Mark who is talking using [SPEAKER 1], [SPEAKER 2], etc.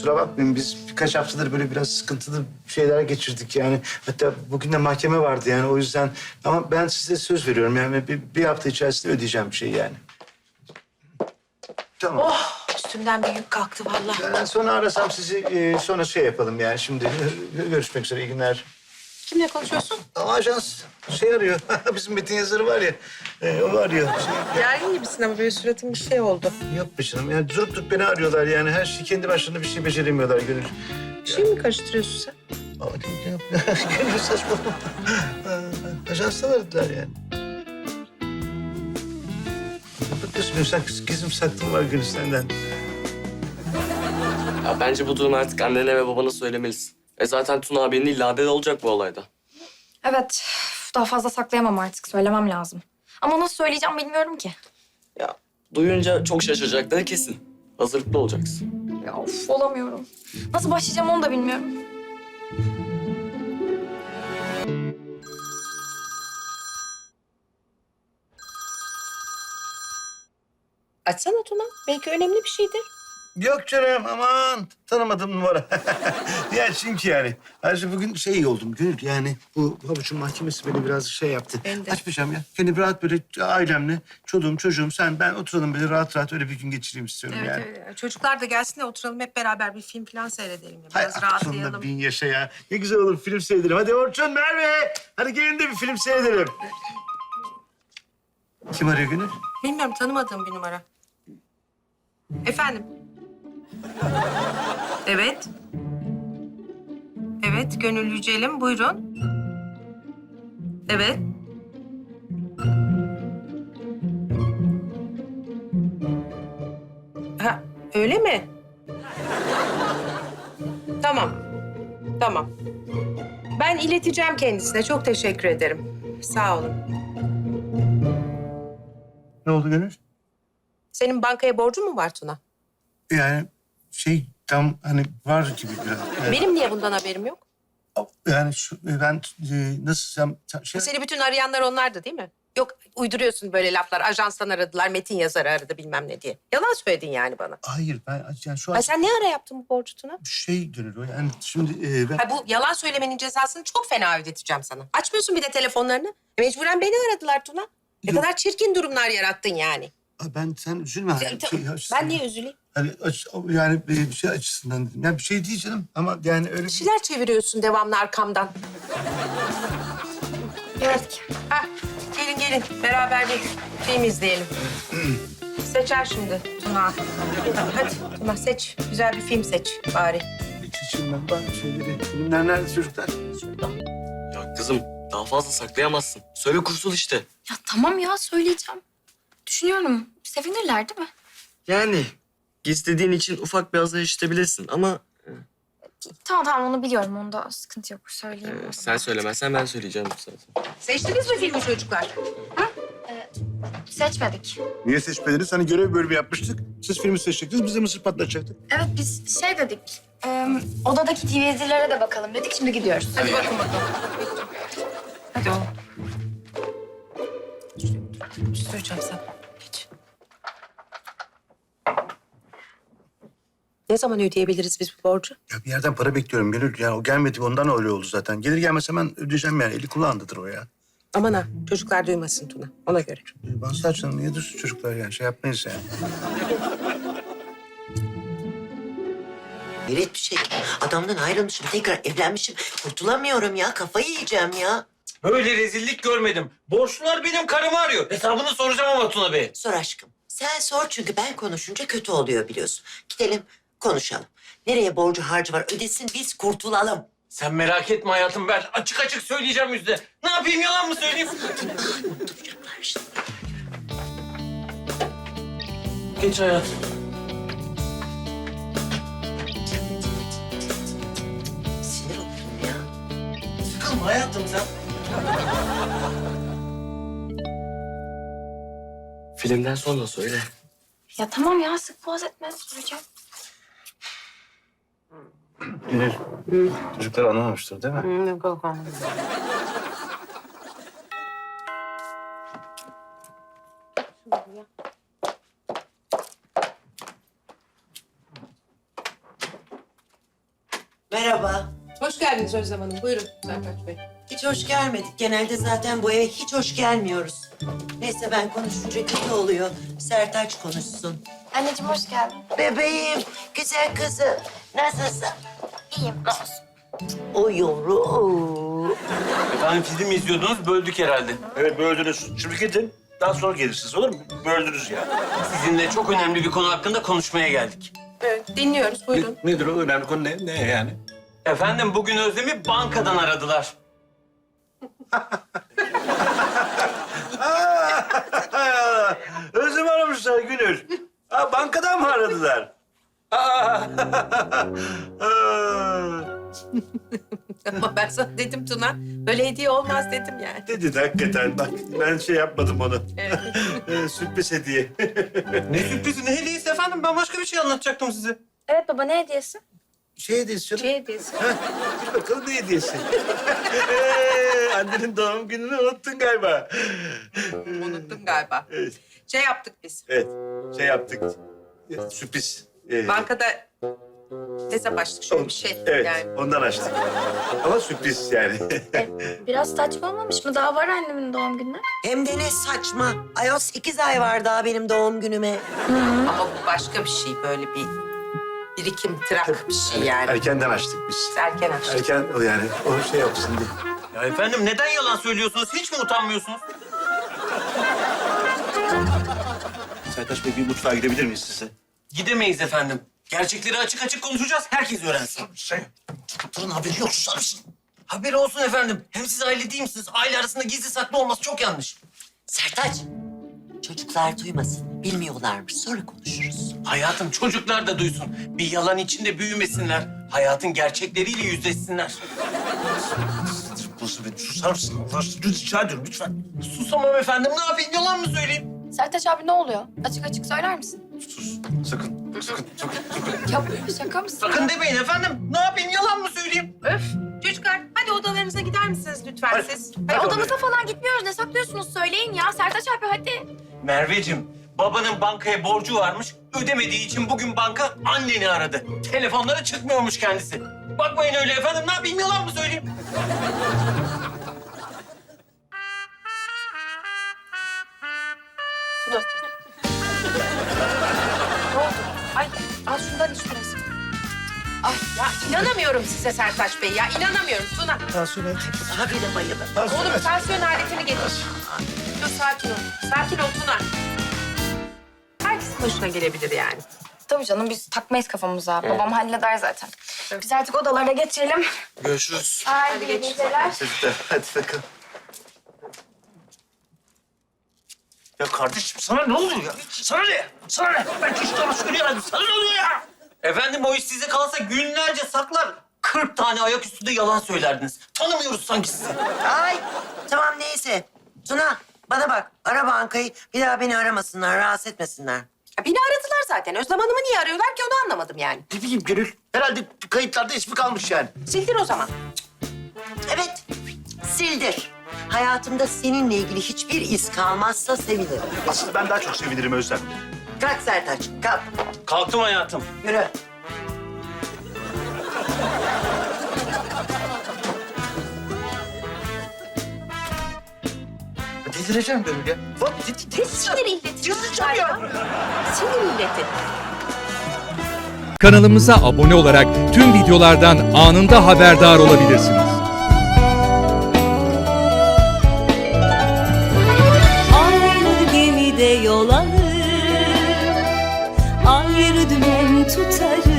[SPEAKER 1] kusura bakmayın. Biz birkaç haftadır böyle biraz sıkıntılı şeyler geçirdik yani. Hatta bugün de mahkeme vardı yani o yüzden. Ama ben size söz veriyorum yani bir hafta içerisinde ödeyeceğim bir şey yani. Tamam.
[SPEAKER 2] Oh, üstümden bir yük kalktı vallahi.
[SPEAKER 1] Ben sonra arasam sizi sonra şey yapalım yani şimdi. Görüşmek üzere, iyi günler.
[SPEAKER 2] Kimle konuşuyorsun?
[SPEAKER 1] Ama ajans şey arıyor. Bizim Metin yazarı var ya. O arıyor.
[SPEAKER 2] Gergin gibisin ama böyle suratın bir şey oldu.
[SPEAKER 1] Yok be canım. Yani durup durup beni arıyorlar yani. Her şey kendi başlarına bir şey beceremiyorlar Gönül.
[SPEAKER 2] Bir şey mi karıştırıyorsun sen?
[SPEAKER 1] Ama ne yapıyor? Gönül saçmalama. Ajanstan aradılar yani. Ne bakıyorsun? Sen gizim saklım var Gönül senden.
[SPEAKER 3] Ya bence bu durumu artık annene ve babana söylemelisin. Zaten Tuna abinin illa haberi olacak bu olayda.
[SPEAKER 4] Evet, daha fazla saklayamam artık. Söylemem lazım. Ama nasıl söyleyeceğim bilmiyorum ki.
[SPEAKER 3] Ya duyunca çok şaşıracakları kesin. Hazırlıklı olacaksın.
[SPEAKER 4] Ya of, olamıyorum. Nasıl başlayacağım onu da bilmiyorum.
[SPEAKER 2] Açsana Tuna. Belki önemli bir şeydir.
[SPEAKER 1] Yok canım aman tanımadım numara. Ya çünkü yani. Ayrıca bugün şey iyi oldum Gönül yani bu havuçun mahkemesi beni biraz şey yaptı.
[SPEAKER 2] Ben de.
[SPEAKER 1] Açmayacağım ya. Kendi rahat böyle ailemle çoluğum çocuğum sen ben oturalım böyle rahat rahat öyle bir gün geçireyim istiyorum yani.
[SPEAKER 2] Evet. Çocuklar da gelsin de oturalım hep beraber bir film falan seyredelim. Ya.
[SPEAKER 1] Hay
[SPEAKER 2] Biraz
[SPEAKER 1] aklında
[SPEAKER 2] rahatlayalım.
[SPEAKER 1] bin yaşa ya. Ne güzel olur film seyredelim. Hadi Orçun, Merve. Hadi gelin de bir film seyredelim. Kim arıyor Gönül?
[SPEAKER 2] Bilmiyorum, tanımadığım bir numara. Efendim? Evet. Evet, Gönül Yücel'im. Buyurun. Evet. Ha, öyle mi? Tamam. Tamam. Ben ileteceğim kendisine. Çok teşekkür ederim. Sağ olun.
[SPEAKER 1] Ne oldu Gönül?
[SPEAKER 2] Senin bankaya borcun mu var Tuna?
[SPEAKER 1] Yani şey tam hani var gibi biraz. Yani,
[SPEAKER 2] Benim niye bundan haberim yok?
[SPEAKER 1] yani ben nasıl şey...
[SPEAKER 2] Seni bütün arayanlar onlardı değil mi? Yok, uyduruyorsun böyle laflar. Ajanstan aradılar, Metin yazarı aradı bilmem ne diye. Yalan söyledin yani bana.
[SPEAKER 1] Hayır ben yani şu an
[SPEAKER 2] Ay sen ne ara yaptın bu borcu Tuna?
[SPEAKER 1] şey Gönül o yani şimdi ben...
[SPEAKER 2] Ha, bu yalan söylemenin cezasını çok fena ödeteceğim sana. Açmıyorsun bir de telefonlarını. Mecburen beni aradılar Tuna. Ne
[SPEAKER 1] Yok.
[SPEAKER 2] kadar çirkin durumlar yarattın yani.
[SPEAKER 1] Ben sen üzülme. Hani,
[SPEAKER 2] Ben niye üzüleyim?
[SPEAKER 1] Hani yani bir şey açısından dedim. Yani bir şey değil canım ama yani öyle
[SPEAKER 2] Bir şeyler çeviriyorsun devamlı arkamdan.
[SPEAKER 4] Gördük.
[SPEAKER 2] Ha, gelin gelin beraber bir film izleyelim. Seçer şimdi Tuna. Hadi Tuna seç. Güzel bir film seç bari.
[SPEAKER 1] seçeyim ben bazı şeyleri. Filmler nerede çocuklar?
[SPEAKER 3] Ya kızım daha fazla saklayamazsın. Söyle kurtul işte.
[SPEAKER 4] Ya tamam ya, söyleyeceğim. Düşünüyorum. Sevinirler değil mi?
[SPEAKER 3] Yani gizlediğin için ufak bir azar işitebilirsin ama
[SPEAKER 4] Tamam onu biliyorum. Onda sıkıntı yok. Söyleyeyim.
[SPEAKER 3] sen söylemezsen ben söyleyeceğim zaten.
[SPEAKER 2] Seçtiniz mi filmi çocuklar?
[SPEAKER 4] Seçmedik.
[SPEAKER 1] Niye seçmediniz? Hani görev bölümü yapmıştık. Siz filmi seçecektiniz, biz de mısır patlatacaktık.
[SPEAKER 4] Evet biz şey dedik. Odadaki DVD'lere de bakalım dedik. Şimdi gidiyoruz.
[SPEAKER 2] Hadi bakın bakalım. Hadi oğlum. Bir şey söyleyeceğim sana. Geç. Ne zaman ödeyebiliriz biz bu borcu?
[SPEAKER 1] Ya bir yerden para bekliyorum Gönül. Yani o gelmedi ondan öyle oldu zaten. Gelir gelmez hemen ödeyeceğim yani. Eli kulağındadır o ya.
[SPEAKER 2] Aman ha, çocuklar duymasın Tuna. Ona göre.
[SPEAKER 1] Bazı canım niye dursun çocuklar yani şey yapmayız yani.
[SPEAKER 5] Hayret bir şey. Adamdan ayrılmışım, tekrar evlenmişim. Kurtulamıyorum ya, kafayı yiyeceğim ya.
[SPEAKER 6] Böyle rezillik görmedim. Borçlular benim karımı arıyor. Hesabını soracağım ama Tuna Bey.
[SPEAKER 5] Sor aşkım. Sen sor çünkü ben konuşunca kötü oluyor biliyorsun. Gidelim, konuşalım. Nereye borcu harcı var ödesin, biz kurtulalım.
[SPEAKER 6] Sen merak etme hayatım, ben açık açık söyleyeceğim yüzde. Ne yapayım, yalan mı söyleyeyim?
[SPEAKER 5] Duyacaklar işte.
[SPEAKER 6] Geç hayatım.
[SPEAKER 5] Sinir oldum ya.
[SPEAKER 6] Sıkılma hayatım sen.
[SPEAKER 3] Filmden sonra söyle.
[SPEAKER 4] Ya tamam ya, sık boğaz etme. Söyleyeceğim.
[SPEAKER 1] Gönül, çocuklar anlamamıştır değil mi?
[SPEAKER 2] Yok yok anladım.
[SPEAKER 5] Merhaba.
[SPEAKER 2] Hoş geldiniz Özlem Hanım. Buyurun Sertaç Bey.
[SPEAKER 5] Hiç hoş gelmedik. Genelde zaten bu eve hiç hoş gelmiyoruz. Neyse ben konuşunca kötü oluyor. Sertaç konuşsun.
[SPEAKER 4] Anneciğim hoş geldin.
[SPEAKER 5] Bebeğim, güzel kızım. Nasılsın?
[SPEAKER 4] İyiyim. Nasılsın?
[SPEAKER 5] O yavru.
[SPEAKER 6] Efendim film izliyordunuz, böldük herhalde.
[SPEAKER 7] Evet böldünüz. Şimdi gidin. Daha sonra gelirsiniz olur mu? Böldünüz ya.
[SPEAKER 6] Sizinle çok önemli bir konu hakkında konuşmaya geldik.
[SPEAKER 2] Evet, dinliyoruz. Buyurun.
[SPEAKER 7] Nedir o önemli konu ne? Ne yani?
[SPEAKER 6] Efendim bugün Özlem'i bankadan aradılar.
[SPEAKER 7] Özlem aramışlar Gönül. Ha, bankadan mı aradılar? Aa.
[SPEAKER 2] Ama ben sana dedim Tuna. Böyle hediye olmaz dedim yani.
[SPEAKER 7] Dedi hakikaten. Bak ben şey yapmadım onu. Sürpriz hediye.
[SPEAKER 6] Ne sürprizi, ne hediyesi efendim? Ben başka bir şey anlatacaktım size.
[SPEAKER 4] Evet baba ne hediyesi?
[SPEAKER 7] Şey hediyesi canım.
[SPEAKER 2] Şey hediyesi.
[SPEAKER 7] Bir bakalım ne hediyesi. Annenin doğum gününü unuttun galiba.
[SPEAKER 2] Unuttum galiba.
[SPEAKER 7] Evet.
[SPEAKER 2] Şey yaptık biz.
[SPEAKER 7] Evet. Şey yaptık. Sürpriz.
[SPEAKER 2] Bankada hesap açtık şöyle bir şey.
[SPEAKER 7] Evet,
[SPEAKER 2] Yani.
[SPEAKER 7] ondan açtık. Ama sürpriz yani.
[SPEAKER 4] Biraz saçma olmamış mı? Daha var annemin doğum günü.
[SPEAKER 5] Hem de ne saçma. Ayol 8 ay var daha benim doğum günüme.
[SPEAKER 2] Ama bu başka bir şey. Böyle bir birikim, trak bir şey yani.
[SPEAKER 7] Erkenden açtık biz.
[SPEAKER 2] Erken açtık.
[SPEAKER 7] Erken o yani. O şey yapsın diye.
[SPEAKER 6] Ya efendim neden yalan söylüyorsunuz? Hiç mi utanmıyorsunuz?
[SPEAKER 7] Sertaç Bey bir mutfağa gidebilir miyiz size?
[SPEAKER 6] Gidemeyiz efendim. Gerçekleri açık açık konuşacağız. Herkes öğrensin.
[SPEAKER 7] Çocukların haberi yok susar mısın?
[SPEAKER 6] Haberi olsun efendim. Hem siz aile değil misiniz? Aile arasında gizli saklı olması çok yanlış.
[SPEAKER 5] Sertaç, çocuklar duymasın. Bilmiyorlarmış. Sonra konuşuruz.
[SPEAKER 6] Hayatım çocuklar da duysun. Bir yalan içinde büyümesinler. Hayatın gerçekleriyle yüzleşsinler.
[SPEAKER 7] Nasıl beni susar mısın? Allah aşkına rica ediyorum lütfen.
[SPEAKER 6] Susamam efendim. Ne yapayım? Yalan mı söyleyeyim?
[SPEAKER 4] Sertaç abi ne oluyor? Açık açık söyler misin?
[SPEAKER 7] Sus. Sakın. Sakın.
[SPEAKER 4] Ya şaka mısın?
[SPEAKER 6] Sakın demeyin efendim. Ne yapayım? Yalan mı söyleyeyim?
[SPEAKER 2] Öf! Çocuklar hadi odalarınıza gider misiniz lütfen
[SPEAKER 7] Hadi.
[SPEAKER 2] siz?
[SPEAKER 4] Ay,
[SPEAKER 2] Hadi.
[SPEAKER 4] odamıza falan gitmiyoruz. Ne saklıyorsunuz? Söyleyin ya. Sertaç abi hadi.
[SPEAKER 6] Merveciğim, babanın bankaya borcu varmış. Ödemediği için bugün banka anneni aradı. Telefonlara çıkmıyormuş kendisi. Bakmayın öyle efendim. Ne yapayım? Yalan mı söyleyeyim?
[SPEAKER 2] Tuna. Ne oldu? Ay al şundan iç biraz. Ay ya inanamıyorum size Sertaç Bey ya. İnanamıyorum Tuna.
[SPEAKER 7] Tansiyon
[SPEAKER 5] Daha bile bayılır.
[SPEAKER 2] Oğlum tansiyon aletini getir. Dur sakin ol. Sakin ol Tuna. Herkesin başına gelebilir yani.
[SPEAKER 4] Tabii canım biz takmayız kafamıza. Babam halleder zaten. Biz artık odalara geçelim.
[SPEAKER 7] Görüşürüz.
[SPEAKER 4] Hadi iyi geceler.
[SPEAKER 7] Çocuklar hadi bakalım. Ya kardeşim sana ne oluyor ya? Sana ne? Sana ne? Ben kişilerime söyleyemem. Sana ne oluyor ya?
[SPEAKER 6] Efendim o iş size kalsa günlerce saklar. 40 tane ayak üstünde yalan söylerdiniz. Tanımıyoruz sanki sizi.
[SPEAKER 5] Ay, tamam neyse. Tuna, bana bak. Ara bankayı. Bir daha beni aramasınlar, rahatsız etmesinler.
[SPEAKER 2] Ya beni aradılar zaten. Özlem Hanım'ı niye arıyorlar ki onu anlamadım yani.
[SPEAKER 7] Ne bileyim Gönül. Herhalde kayıtlarda ismi kalmış yani.
[SPEAKER 2] Sildir o zaman.
[SPEAKER 5] Evet, sildir. Hayatımda seninle ilgili hiçbir iz kalmazsa sevinirim.
[SPEAKER 7] Aslında ben daha çok sevinirim Özlem.
[SPEAKER 5] Kalk Sertaç, kalk.
[SPEAKER 6] Kalktım hayatım.
[SPEAKER 5] Yürü.
[SPEAKER 7] Delireceğim Gönül ya. Bak
[SPEAKER 2] Sinir illeti. ya. Sinir illeti.
[SPEAKER 8] Kanalımıza abone olarak tüm videolardan anında haberdar olabilirsiniz.
[SPEAKER 9] Aynı gemide yol alır, ayrı dümen tutarız.